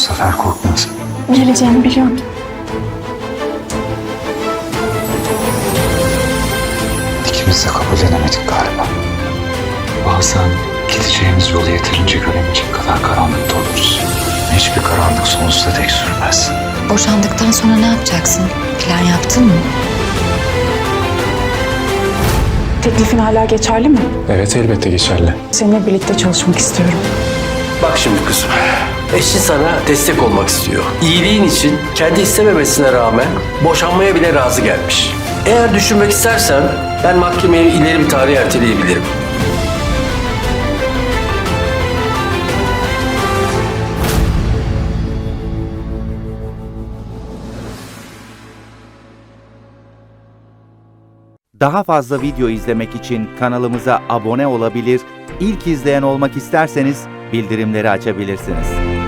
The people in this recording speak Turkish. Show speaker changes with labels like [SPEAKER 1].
[SPEAKER 1] sefer korkmaz.
[SPEAKER 2] Geleceğini biliyordum.
[SPEAKER 1] İkimiz de kabullenemedik galiba. Bazen gideceğimiz yolu yeterince göremeyecek kadar karanlıkta oluruz. Hiçbir karanlık sonsuza dek sürmez.
[SPEAKER 3] Boşandıktan sonra ne yapacaksın? Plan yaptın mı?
[SPEAKER 2] Teklifin hala geçerli mi?
[SPEAKER 4] Evet, elbette geçerli.
[SPEAKER 2] Seninle birlikte çalışmak istiyorum.
[SPEAKER 5] Bak şimdi kızım, eşin sana destek olmak istiyor. İyiliğin için kendi istememesine rağmen boşanmaya bile razı gelmiş. Eğer düşünmek istersen ben mahkemeyi ileri bir tarihe erteleyebilirim.
[SPEAKER 6] Daha fazla video izlemek için kanalımıza abone olabilir, ilk izleyen olmak isterseniz bildirimleri açabilirsiniz.